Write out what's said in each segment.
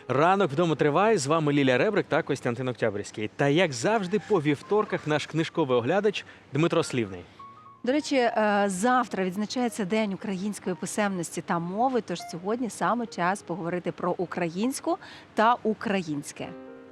Ранок вдома триває. З вами Лілія Ребрик та Костянтин Октябрьський. Та, як завжди, по вівторках наш книжковий оглядач Дмитро Слівний. До речі, завтра відзначається День української писемності та мови, тож сьогодні саме час поговорити про українську та українське.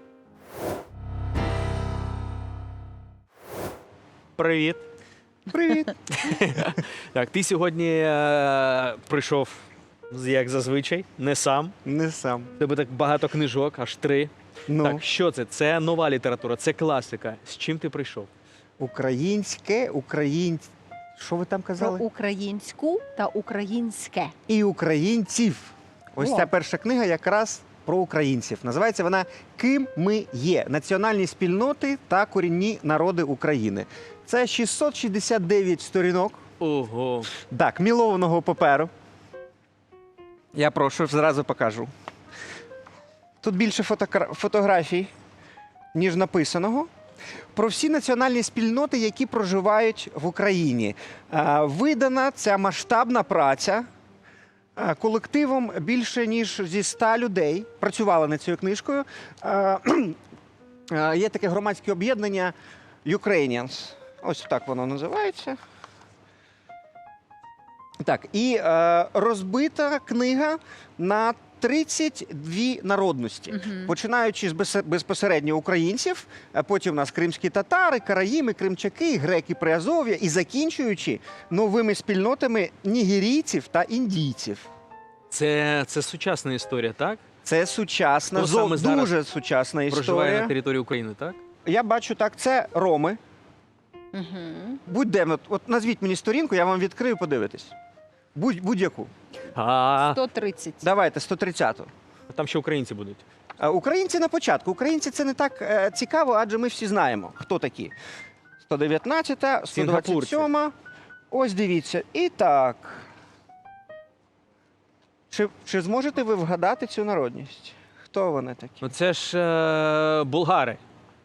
Привіт. Привіт. Так, ти сьогодні прийшов, як зазвичай, не сам. Не сам. У тебе так багато книжок, аж 3. Ну, Так, що це? Це нова література, це класика. З чим ти прийшов? українське, Що ви там Про казали? українську та українське. І українців. Ось О. ця перша книга якраз про українців. Називається вона «Ким ми є. Національні спільноти та корінні народи України». Це 669 сторінок. Ого. Так, мілованого паперу. Я прошу, зразу покажу. Тут більше фотографій, ніж написаного. Про всі національні спільноти, які проживають в Україні. Видана ця масштабна праця колективом більше, ніж зі 100 людей. Працювали над цією книжкою. Є таке громадське об'єднання Ukrainians. Ось так воно називається. Так, і розбита книга на 32 народності, починаючи з безпосередньо українців, а потім у нас кримські татари, караїми, кримчаки, греки Приазов'я і закінчуючи новими спільнотами нігерійців та індійців. Це сучасна історія, так? Це сучасна, Хто саме зараз дуже сучасна Проживає на історія. території України, так? Я бачу так, це роми. Будь-де, от назвіть мені сторінку, я вам відкрию, подивитись. Будь-яку. А 130. Давайте, 130-ту. там ще українці будуть. Українці на початку. Українці це не так цікаво, адже ми всі знаємо, хто такі. 119-та, 127-та. Ось дивіться. І так. Чи зможете ви вгадати цю народність? Хто вони такі? Ну це ж булгари.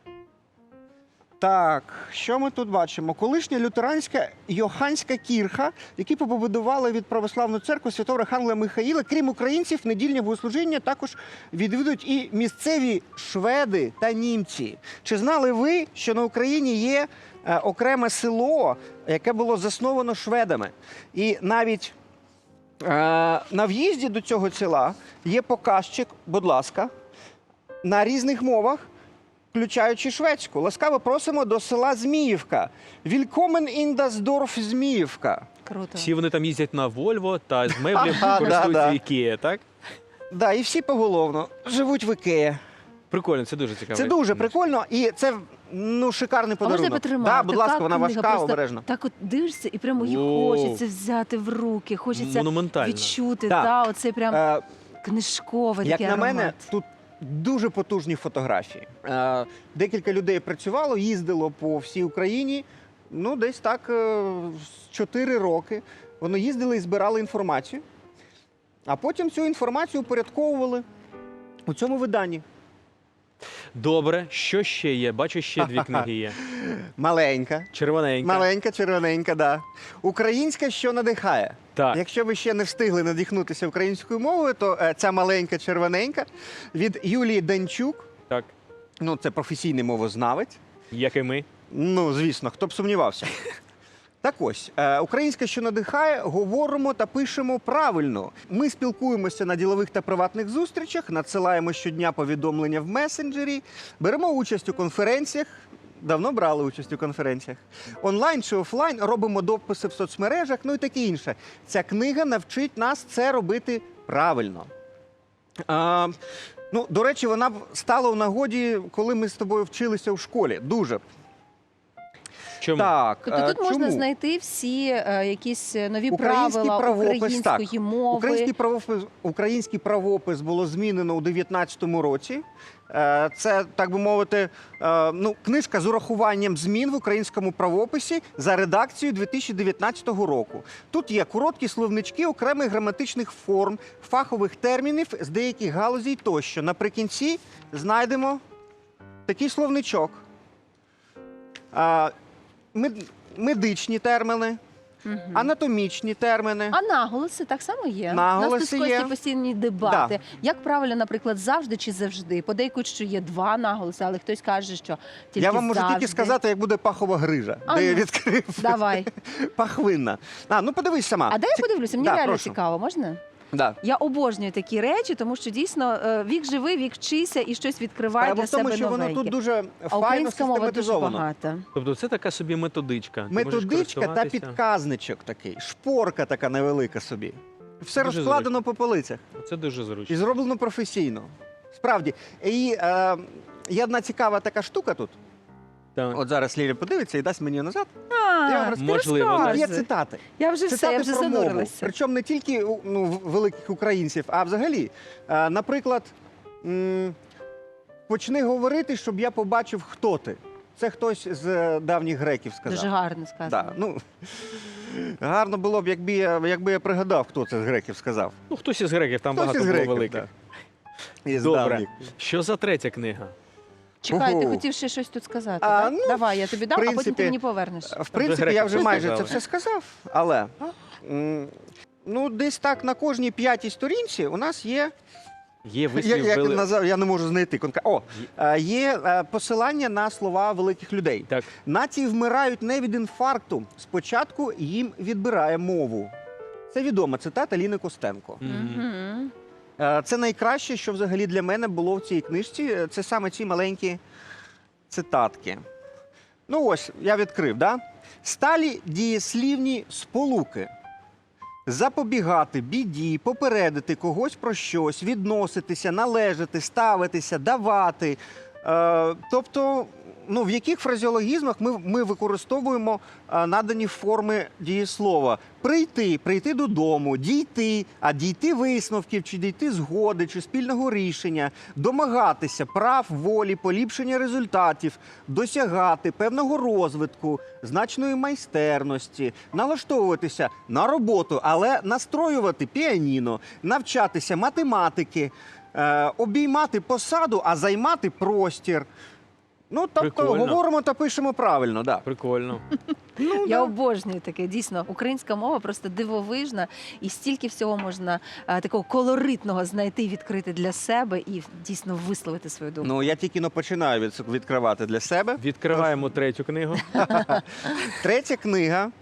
Так, що ми тут бачимо? Колишня лютеранська Йоханська кірха, які побудували від православної церкви святого Архангела Михаїла. Крім українців, недільне богослужіння також відвідують і місцеві шведи та німці. Чи знали ви, що на Україні є окреме село, яке було засновано шведами? І навіть на в'їзді до цього села є показчик, будь ласка, на різних мовах, включаючи шведську. Ласкаво просимо до села Зміївка. Вількомен ін дас дорф Зміївка. Круто. Всі вони там їздять на Вольво та з меблів Ага, користуються да. Ікея, так? Да, і всі поголовно живуть в Ікеї. Прикольно, це дуже цікаво. Це дуже прикольно, і це шикарний А можна подарунок. потримати? Да, будь ласка, Така вона книга, важка, просто обережно. Так от дивишся, і прямо її Воу. хочеться взяти в руки, хочеться Монументально. відчути. Так. Та, оцей прям Е, книжковий Як такий на аромат. мене, тут дуже потужні фотографії. Декілька людей працювало, їздило по всій Україні, десь так 4 роки. Вони їздили і збирали інформацію, а потім цю інформацію упорядковували у цьому виданні. Добре, що ще є? Бачу, ще 2 книги є. Маленька. Червоненька. Маленька, червоненька, да. Українська, що надихає. Так. Якщо ви ще не встигли надихнутися українською мовою, то ця маленька червоненька від Юлії Данчук. Так, Це професійний мовознавець. як і ми. Звісно, хто б сумнівався. Так ось, українська, що надихає, говоримо та пишемо правильно. Ми спілкуємося на ділових та приватних зустрічах, надсилаємо щодня повідомлення в месенджері, беремо участь у конференціях, давно брали участь у конференціях, онлайн чи офлайн, робимо дописи в соцмережах, і таке інше. Ця книга навчить нас це робити правильно. До речі, вона б стала в нагоді, коли ми з тобою вчилися в школі. Дуже. Чому? Так, Тобто тут можна чому? знайти всі якісь нові Український правила правопис, української так. мови. Український правопис було змінено у 19-му році. Це, так би мовити, книжка з урахуванням змін в українському правописі за редакцією 2019 року. Тут є короткі словнички окремих граматичних форм, фахових термінів з деяких галузей тощо. Наприкінці знайдемо такий словничок. Медичні терміни, Мгм. анатомічні термини. А наголоси так само є. Наголоси У нас тут з Костю є. постійні дебати. Як правильно, наприклад, завжди чи завжди? Подейкують, що є два наголоси, але хтось каже, що тільки Я вам можу завжди. тільки сказати, як буде пахова грижа, А де я ну, відкрив Давай. пахвинна. Ну подивись сама. А де я подивлюся? Мені Да, реально прошу. цікаво, можна? Да. Я обожнюю такі речі, тому що дійсно вік живий, вік вчися і щось відкриває Справа для в тому, себе що воно новеньке. тут дуже А файно українська мова дуже систематизовано. багата. Тобто це така собі методичка. Ти можеш Методичка та користуватися. підказничок такий, шпорка така невелика собі. Все Дуже розкладено по полицях Це дуже і зручно. зроблено професійно. Справді. І є одна цікава така штука тут. Так. От зараз Ліля подивиться і дасть мені назад. Я вам розкажу. Можливо, так. Є цитати. Я вже все, Цитати я вже про мову. занурилася. Причому не тільки великих українців, а взагалі. Наприклад, почни говорити, щоб я побачив, хто ти. Це хтось з давніх греків сказав. Дуже гарно сказано. Да, ну, гарно було б, якби я пригадав, хто це з греків сказав. Ну, хтось із греків, там Хтось багато із було греків, великих. да. Із Добре. давніх. Що за третя книга? Чекай, ти Ого. хотів ще щось тут сказати, А, так? ну, Давай, я тобі дам, а потім принципі, ти мені повернеш. В принципі, я вже греки майже це сказали. все сказав, але десь так на кожній 5-й сторінці у нас є. Є вислів Як він назвав, я не можу знайти конкретно. Є посилання на слова великих людей. Так. Нації вмирають не від інфаркту. Спочатку їм відбирає мову. Це відома цитата Ліни Костенко. Мгм. Це найкраще, що взагалі для мене було в цій книжці. Це саме ці маленькі цитатки. Ну ось, я відкрив, да? Сталі дієслівні сполуки. Запобігати, біді, попередити когось про щось, відноситися, належати, ставитися, давати. Тобто, в яких фразеологізмах ми використовуємо надані форми дієслова. Прийти додому, дійти, а дійти висновків, чи дійти згоди, чи спільного рішення, домагатися прав, волі, поліпшення результатів, досягати певного розвитку, значної майстерності, налаштовуватися на роботу, але настроювати піаніно, навчатися математики, обіймати посаду, а займати простір. Ну, тобто, Прикольно. говоримо та пишемо правильно, да. Прикольно. Я обожнюю таке, дійсно. Українська мова просто дивовижна, і стільки всього можна такого колоритного знайти, відкрити для себе і дійсно висловити свою думку. Ну, я тільки починаю відкривати для себе. Відкриваємо третю книгу. Третя книга.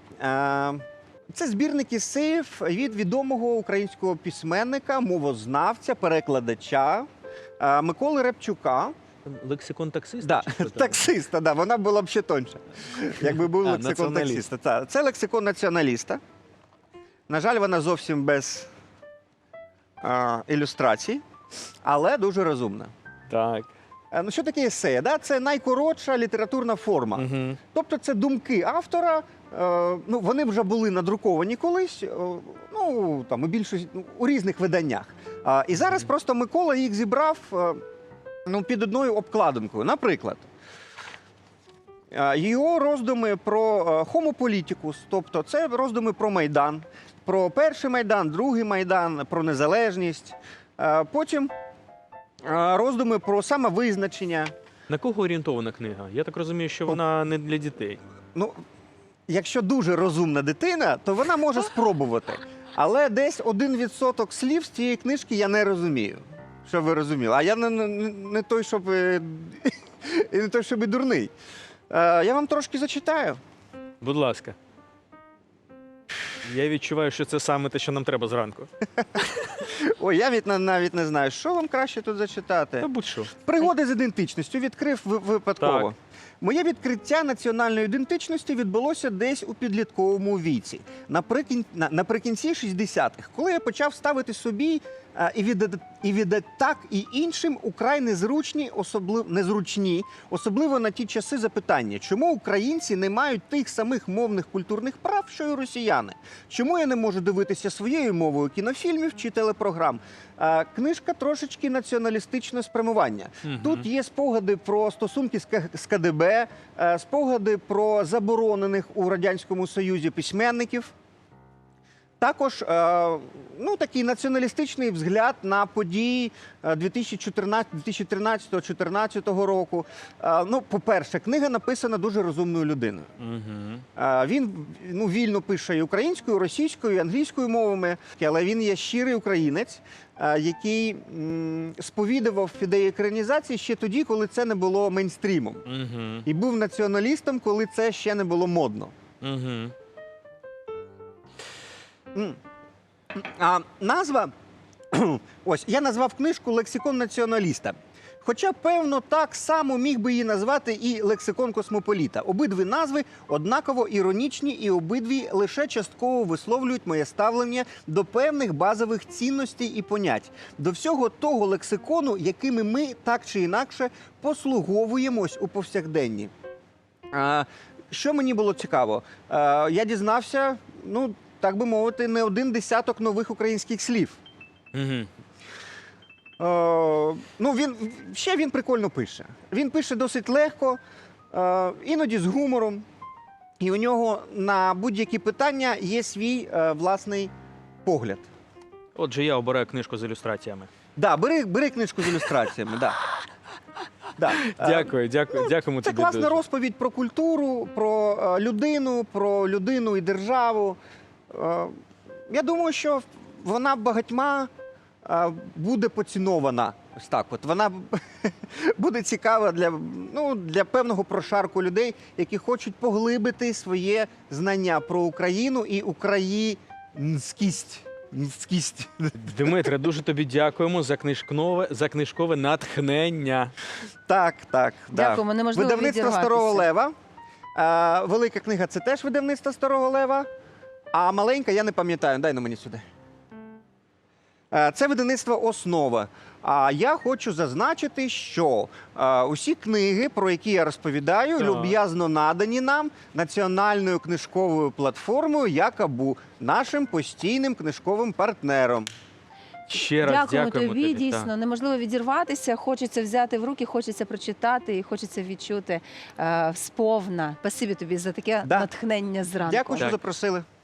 Це збірник есеїв від відомого українського письменника, мовознавця, перекладача Миколи Репчука. Лексикон таксиста? Да, чи що там? таксиста, да, вона була б ще тоньша, якби був А, лексикон націоналіст. таксиста. Це лексикон націоналіста. На жаль, вона зовсім без ілюстрацій, але дуже розумна. Так. Ну, що таке есея? Да? Це найкоротша літературна форма. Угу. Тобто це думки автора, вони вже були надруковані колись, у більшості, у різних виданнях. І зараз просто Микола їх зібрав під одною обкладинкою. Наприклад, його роздуми про Homo politicus, тобто це роздуми про Майдан, про перший Майдан, другий Майдан, про незалежність. Потім роздуми про самовизначення. На кого орієнтована книга? Я так розумію, що вона не для дітей. Ну, якщо дуже розумна дитина, то вона може спробувати. Але десь 1% слів з цієї книжки я не розумію. Щоб ви розуміли. А я не той, щоб не той, щоб і дурний. Я вам трошки зачитаю. Будь ласка. Я відчуваю, що це саме те, що нам треба зранку. Ой, я навіть не знаю, що вам краще тут зачитати. Та будь-що. Пригоди з ідентичністю відкрив випадково. Так. Моє відкриття національної ідентичності відбулося десь у підлітковому віці, наприкінці 60-х, коли я почав ставити собі і від так і іншим украй незручні, особливо на ті часи запитання, чому українці не мають тих самих мовних культурних прав, що й росіяни? Чому я не можу дивитися своєю мовою кінофільмів чи телепрограм? Книжка трошечки націоналістичне спрямування. Мгм. Тут є спогади про стосунки з КДБ, спогади про заборонених у Радянському Союзі письменників. Також такий націоналістичний взгляд на події 2013-2014 року. По-перше, книга написана дуже розумною людиною. Він вільно пише і українською, і російською, і англійською мовами, але він є щирий українець, який сповідував ідеї екранізації ще тоді, коли це не було мейнстрімом. І був націоналістом, коли це ще не було модно. А назва, ось, я назвав книжку «Лексикон націоналіста». Хоча, певно, так само міг би її назвати і «Лексикон космополіта». Обидві назви однаково іронічні і обидві лише частково висловлюють моє ставлення до певних базових цінностей і понять. До всього того лексикону, якими ми так чи інакше послуговуємось у повсякденні. Що мені було цікаво? Я дізнався, так би мовити, не один десяток нових українських слів. Він прикольно пише. Він пише досить легко, іноді з гумором. І у нього на будь-які питання є свій власний погляд. Отже, я обираю книжку з ілюстраціями. Так, бери книжку з ілюстраціями, так. Да. Дякуємо Це тобі класна дуже. розповідь про культуру, про людину і державу. Я думаю, що вона багатьма буде поцінована. Ось так от. Вона буде цікава для певного прошарку людей, які хочуть поглибити своє знання про Україну і українськість. Дмитре, дуже тобі дякуємо за книжкове натхнення. Так. Дякуємо, неможливо Видавництво відірватися. Старого Лева. Велика книга – це теж видавництво Старого Лева. А маленька, я не пам'ятаю, дай на мені сюди. Це видавництво «Основа». А я хочу зазначити, що усі книги, про які я розповідаю, люб'язно надані нам національною книжковою платформою «Якабу», нашим постійним книжковим партнером. Ще раз Дякуємо дякуємо тобі, тобі. дійсно. Неможливо відірватися, хочеться взяти в руки, хочеться прочитати і хочеться відчути сповна. Спасибі тобі за таке натхнення зранку. Дякую, що Так. запросили.